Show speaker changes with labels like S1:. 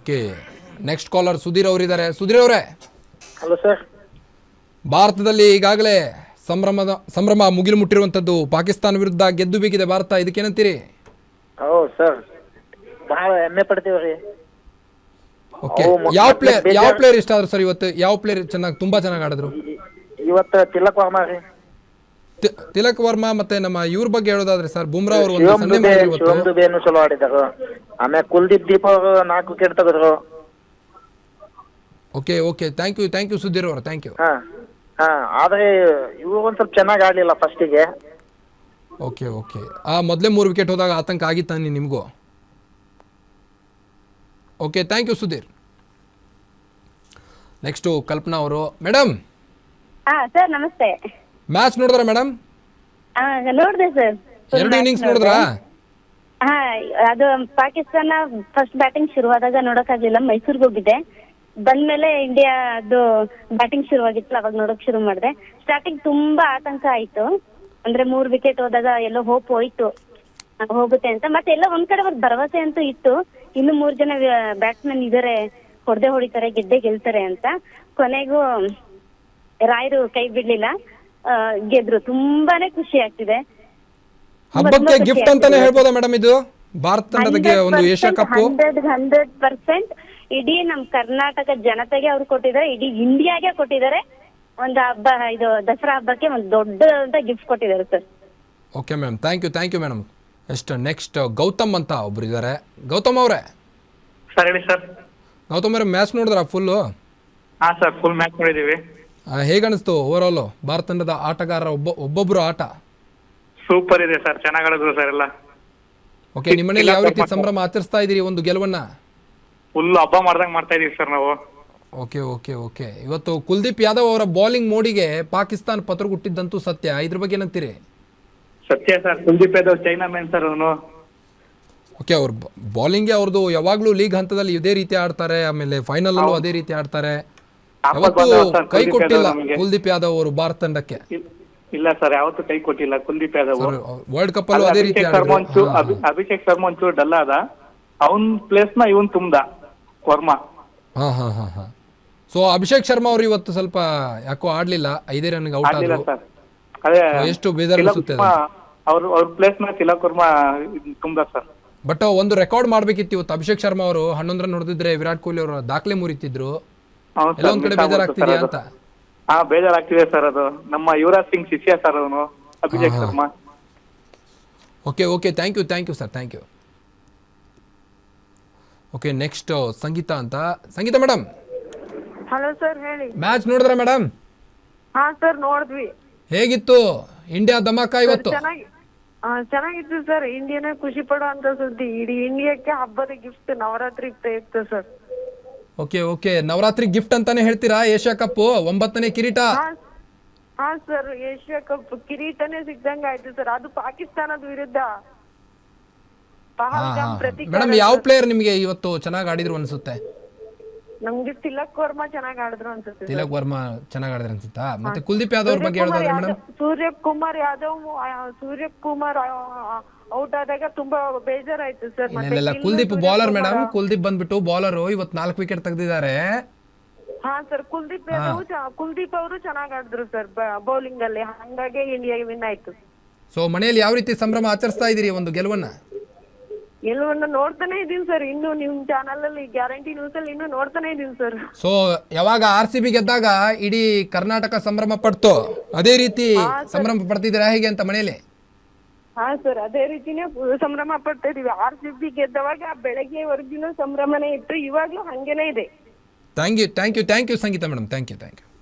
S1: Okay, next collar Sudhir ಅವರಿದ್ದಾರೆ. ಸುಧೀರ್ ಅವರೇ,
S2: hello sir.
S1: ಭಾರತದಲ್ಲಿ ಈಗಾಗಲೇ ಸಂಭ್ರಮ ಮುಗಿಲು ಮುಟ್ಟಿರುವಂಥದ್ದು, ಪಾಕಿಸ್ತಾನ ವಿರುದ್ಧ ಗೆದ್ದು ಬೀಗಿದೆ ಭಾರತ, ಇದಕ್ಕೇನಂತೀರಿ?
S2: ಹೌದು ಸರ್, ಬಹಳ ಹೆಮ್ಮೆ ಪಡ್ತೀವ್ರಿ.
S1: ಓಕೆ, ಯಾವ ಪ್ಲೇಯರ್ ಇಷ್ಟ ಆದ್ರು ಸರ್ ಇವತ್ತು? ಯಾವ ಪ್ಲೇಯರ್ ತುಂಬಾ ಚೆನ್ನಾಗಿ ಆಡಿದ್ರು
S2: ಇವತ್ತು? ತಿಲಕ್ ವರ್ಮಾ ರೀ.
S1: ತಿಲಕ್ ವರ್ಮಾ ಮತ್ತೆ ನಮ್ಮ ಇವ್ರ ಬಗ್ಗೆ ಹೇಳೋದಾದ್ರೆ ಸರ್, ಬುಮ್ರಾ ಅವರು
S2: ಶಿವಮ್ ದುಬೆನು ಚಲೋ ಆಡಿದರು. ಆಮೇಲೆ ಕುಲ್ದೀಪ್ ದೀಪ್ ಅವರು 4 ವಿಕೆಟ್ ತೆಗೆದ್ರು.
S1: Okay okay, thank you Sudhir ಅವರು, ಥ್ಯಾಂಕ್ ಯು.
S2: ಹಾ ಆದ್ರೆ ಇವರು ಒಂದ್ ಸ್ವಲ್ಪ ಚೆನ್ನಾಗಿ ಆಡ್ಲಿಲ್ಲ ಫಸ್ಟಿಗೆ.
S1: ಓಕೆ ಓಕೆ, ಮೊದಲೇ 3 ವಿಕೆಟ್ ಹೋದಾಗ ಆತಂಕ ಆಗಿತ್ತಾನೆ ನಿಮಗೂ? Okay, thank you Sudhir. Next Kalpana ಅವರು. ಮೇಡಮ್
S3: ಸರ್ ನಮಸ್ತೆ.
S1: ಮ್ಯಾಚ್ ನೋಡಿದ್ರಾ ಮೇಡಮ್?
S3: ನೋಡಿದೆ ಸರ್.
S1: 2 ಇನ್ನಿಂಗ್ಸ್ ನೋಡಿದ್ರಾ?
S3: ಅದು ಪಾಕಿಸ್ತಾನ ಫಸ್ಟ್ ಬ್ಯಾಟಿಂಗ್ ಶುರುವಾದಾಗ ನೋಡೋಕ್ಕಾಗಲಿಲ್ಲ, ಮೈಸೂರಿಗೆ ಹೋಗಿದ್ದೆ. ಬಂದ್ಮೇಲೆ ಇಂಡಿಯಾದು ಬ್ಯಾಟಿಂಗ್ ಶುರುವಾಗಿತ್ತು, ಅವಾಗ ನೋಡಕ್ ಶುರು ಮಾಡಿದೆ. ಸ್ಟಾರ್ಟಿಂಗ್ ತುಂಬಾ ಆತಂಕ ಆಯ್ತು, ಅಂದ್ರೆ 3 ವಿಕೆಟ್ ಹೋದಾಗ ಎಲ್ಲೋ ಹೋಪ್ ಹೋಯ್ತು ಹೋಗುತ್ತೆ ಅಂತ. ಮತ್ತೆ ಎಲ್ಲ ಒಂದ್ ಕಡೆ ಒಂದು ಭರವಸೆ ಅಂತೂ ಇತ್ತು, ಇನ್ನು 3 ಜನ ಬ್ಯಾಟ್ಸ್ಮನ್ ಇದಾರೆ, ಹೊಡಿತಾರೆ, ಗೆಲ್ತಾರೆ ಅಂತ. ಕೊನೆಗೂ ರಾಯರು ಕೈ ಬಿಡ್ಲಿಲ್ಲ, ಗೆದ್ರು. ತುಂಬಾನೇ ಖುಷಿ ಆಗ್ತಿದೆ.
S1: ಹಬ್ಬಕ್ಕೆ ಗಿಫ್ಟ್ ಅಂತಾನೆ ಹೇಳ್ಬೋದಾ ಮೇಡಮ್ ಇದು ಭಾರತ ತಂಡಕ್ಕೆ ಒಂದು ಏಷ್ಯಾ ಕಪ್?
S3: 100% ಇಡೀ ನಮ್ ಕರ್ನಾಟಕ ಜನತೆಗೆ ಅವ್ರು ಕೊಟ್ಟಿದ್ದಾರೆ, ಇಡೀ ಇಂಡಿಯಾಗೆ ಕೊಟ್ಟಿದ್ದಾರೆ. ಒಂದು ಹಬ್ಬ, ಇದು ದಸರಾ ಹಬ್ಬಕ್ಕೆ ಒಂದು ದೊಡ್ಡ ಗಿಫ್ಟ್ ಕೊಟ್ಟಿದ್ದಾರೆ sir.
S1: Okay ma'am, thank you madam. ಎಷ್ಟು ನೆಕ್ಸ್ಟ್ ಗೌತಮ್ ಅಂತ ಒಬ್ರು ಇದ್ದಾರೆ. ಗೌತಮ್ ಅವರೇ.
S4: ಸರ್ ಹೇಳಿ ಸರ್.
S1: ಗೌತಮ್ ಅವರೇ, ಮ್ಯಾಚ್ ನೋಡಿದ್ರಾ ಫುಲ್ಲು?
S4: ಹಾ ಸರ್, ಫುಲ್ ಮ್ಯಾಚ್ ನೋಡಿದೀವಿ.
S1: ಹೇಗನ್ನಿಸ್ತು ಓವರ್ ಆಲ್ ಭಾರತ ತಂಡದ ಆಟಗಾರರ ಒಬ್ಬೊಬ್ರು ಆಟ?
S4: ಸೂಪರ್ ಇದೆ ಸರ್, ಚೆನ್ನಾಗಿ ಆಡಿದ್ರು ಸರ್ ಎಲ್ಲ.
S1: ಓಕೆ, ನಿಮ್ಮ ಮನೇಲಿ ಯಾವ ರೀತಿ ಸಂಭ್ರಮ ಆಚರಿಸ್ತಾ ಇದ್ದೀರಿ ಒಂದು ಗೆಲುವನ್ನ?
S4: ಫುಲ್ ಹಬ್ಬ ಮಾಡ್ದಂಗ್ ಮಾಡ್ತಾ ಇದೀವಿ ಸರ್ ನಾವು.
S1: ಓಕೆ, ಇವತ್ತು ಕುಲ್ದೀಪ್ ಯಾದವ್ ಅವರ ಬೌಲಿಂಗ್ ಮೋಡಿಗೆ ಪಾಕಿಸ್ತಾನ ಪತ್ರಗುಟ್ಟಿದ್ದಂತೂ ಸತ್ಯ, ಇದ್ರ ಬಗ್ಗೆ ಏನಂತೀರಿ?
S4: Satya sir, Kuldeep Yadav chinaman sir ಅವನು.
S1: ಓಕೆ, ಅವ್ರ ಬೌಲಿಂಗ್ಗೆ ಅವ್ರದ್ದು ಯಾವಾಗ್ಲೂ ಲೀಗ್ ಹಂತದಲ್ಲಿ ಇದೇ ರೀತಿ ಆಡ್ತಾರೆ, ಆಮೇಲೆ ಫೈನಲ್ ಅಲ್ಲೂ ಅದೇ ರೀತಿ ಆಡ್ತಾರೆ. ಯಾವತ್ತೂ ಕೈ ಕೊಟ್ಟಿಲ್ಲ ಕುಲ್ದೀಪ್ ಯಾದವ್ ಅವರು ಭಾರತ ತಂಡಕ್ಕೆ.
S4: ಇಲ್ಲ ಸರ್, ಯಾವತ್ತೂ ಕೈ ಕೊಟ್ಟಿಲ್ಲ ಕುಲ್ದೀಪ್ ಯಾದವ್.
S1: ವರ್ಲ್ಡ್ ಕಪ್ ಅಲ್ಲೂ ಅದೇ ರೀತಿ
S4: ಅಭಿಷೇಕ್ ಶರ್ಮಾ ಒಂಚೂರು ಡಲ್ ಆದ, ಅವನ್ ಪ್ಲೇಸ್ ನ ಇವನ್ ತುಂಬದ ವರ್ಮಾ.
S1: ಹಾ. ಸೊ ಅಭಿಷೇಕ್ ಶರ್ಮಾ ಅವರು ಇವತ್ತು ಸ್ವಲ್ಪ ಯಾಕೋ ಆಡ್ಲಿಲ್ಲ, 5 ರನ್ಗೆ ಔಟ್ ಆದ್ರು. ಎಷ್ಟು ಬೇಜಾರು ಅನಿಸುತ್ತೆ.
S4: ಅವ್ರ ಪ್ಲೇಸ್ ನ ತಿಲಕ್ ವರ್ಮಾ ತುಂಬದ ಸರ್.
S1: ಬಟ್ ಒಂದು ರೆಕಾರ್ಡ್ ಮಾಡ್ಬೇಕಿತ್ತು ಇವತ್ತು. ಅಭಿಷೇಕ್ ಶರ್ಮಾ ಅವರು 11 ರನ್ ಹೊಡೆದಿದ್ರೆ ವಿರಾಟ್ ಕೊಹ್ಲಿ ಅವರು ದಾಖಲೆ ಮುರಿತಿದ್ರು. ಎಲ್ಲ ಒಂದ್ ಕಡೆ ಬೇಜಾರಾಗ್ತಿದ್ಯಾ ಅಂತ?
S4: ಬೇಜಾರಾಗ್ತಿದೆ ಸರ್. ಅದು ನಮ್ಮ ಯುವರಾಜ್ ಸಿಂಗ್ ಶಿಷ್ಯ ಸರ್ ಅವನು, Abhishek Sharma.
S1: Okay, thank you sir, thank you. Okay, next Sangeeta ಅಂತ. ಸಂಗೀತಾ ಮೇಡಮ್.
S5: ಹಲೋ ಸರ್, ಹೇಳಿ.
S1: ಮ್ಯಾಚ್ ನೋಡಿದ್ರ ಮೇಡಮ್?
S5: ಹಾ ಸರ್, ನೋಡಿದ್ವಿ.
S1: ಹೇಗಿತ್ತು ಇಂಡಿಯಾ ಧಮಾಕ ಇವತ್ತು?
S5: ಚೆನ್ನಾಗಿತ್ತು ಸರ್. ಇಂಡಿಯಾನೇ ಖುಷಿ ಪಡುವಂತ ಸುದ್ದಿ. ಇಡೀ ಇಂಡಿಯಾಕ್ಕೆ ಹಬ್ಬದ ಗಿಫ್ಟ್ ನವರಾತ್ರಿ ಪ್ರಯುಕ್ತ ಸರ್.
S1: ಓಕೆ, ನವರಾತ್ರಿ ಗಿಫ್ಟ್ ಅಂತಾನೆ ಹೇಳ್ತೀರಾ? ಏಷ್ಯಾ ಕಪ್ 9ನೇ ಕಿರೀಟ.
S5: ಹಾ ಸರ್, ಏಷ್ಯಾ ಕಪ್ ಕಿರೀಟನೇ ಸಿಗ್ದಂಗ ಆಯ್ತು ಸರ್. ಅದು ಪಾಕಿಸ್ತಾನದ ವಿರುದ್ಧ.
S1: ಮೇಡಮ್, ಯಾವ ಪ್ಲೇಯರ್ ನಿಮ್ಗೆ ಇವತ್ತು ಚೆನ್ನಾಗಿ ಆಡಿದ್ರು ಅನ್ಸುತ್ತೆ?
S5: ನಮ್ಗೆ ತಿಲಕ್ ವರ್ಮಾ ಚೆನ್ನಾಗಿ ಆಡಿದ್ರು ಅನ್ಸುತ್ತೆ.
S1: ತಿಲಕ್ ವರ್ಮಾ ಚೆನ್ನಾಗಿ ಆಡಿದ್ರು ಅನ್ಸುತ್ತಾ? ಮತ್ತೆ ಕುಲ್ದೀಪ್ ಯಾದವ್ ಬಗ್ಗೆ ಹೇಳೋದಾದ್ರೆ ಮೇಡಮ್?
S5: ಸೂರ್ಯಕುಮಾರ್ ಔಟ್ ಆದಾಗ ತುಂಬಾ ಬೇಜಾರಾಯ್ತು ಸರ್.
S1: ಇಲ್ಲ, ಕುಲ್ದೀಪ್ ಬೌಲರ್ ಮೇಡಮ್. ಕುಲ್ದೀಪ್ ಬಂದ್ಬಿಟ್ಟು ಬೌಲರ್, ಇವತ್ತು 4 ವಿಕೆಟ್ ತೆಗೆದಿದ್ದಾರೆ.
S5: ಹಾ ಸರ್, ಕುಲ್ದೀಪ್ ಅವರು ಚೆನ್ನಾಗಿ ಆಡಿದ್ರು ಸರ್ ಬೌಲಿಂಗ್ ಅಲ್ಲಿ, ಹಂಗಾಗಿ ಇಂಡಿಯಾಗೆ ವಿನ್ ಆಯ್ತು.
S1: ಸೊ ಮನೆಯಲ್ಲಿ ಯಾವ ರೀತಿ ಸಂಭ್ರಮ ಆಚರಿಸ್ತಾ ಇದೀರಿ ಒಂದು ಗೆಲುವನ್ನ?
S5: ನೋಡ್ತಾನೆ ಇದೀನಿ ಸರ್, ಇನ್ನು ನಿಮ್ ಚಾನಲ್ ಅಲ್ಲಿ ಗ್ಯಾರಂಟಿ ನ್ಯೂಸ್ ಅಲ್ಲಿ ಇನ್ನು ನೋಡ್ತಾನೆ ಇದೀನಿ ಸರ್.
S1: ಸೊ ಯಾವಾಗ RCB ಗೆದ್ದಾಗ ಇಡೀ ಕರ್ನಾಟಕ ಸಂಭ್ರಮ ಪಡ್ತು, ಅದೇ ರೀತಿ ಸಂಭ್ರಮ ಪಡ್ತಿದ್ದೀರಾ ಹೇಗೆ ಅಂತ ಮನೆಯಲ್ಲಿ?
S5: ಹಾ ಸರ್, ಅದೇ ರೀತಿನೇ ಸಂಭ್ರಮ ಪಡ್ತಾ ಇದೀವಿ. RCB ಗೆದ್ದವಾಗ ಬೆಳಗ್ಗೆವರೆಗಿನ ಸಂಭ್ರಮನೇ ಇತ್ತು, ಇವಾಗ್ಲೂ ಹಂಗೇನೆ ಇದೆ.
S1: Thank you Sangeeta madam, thank you.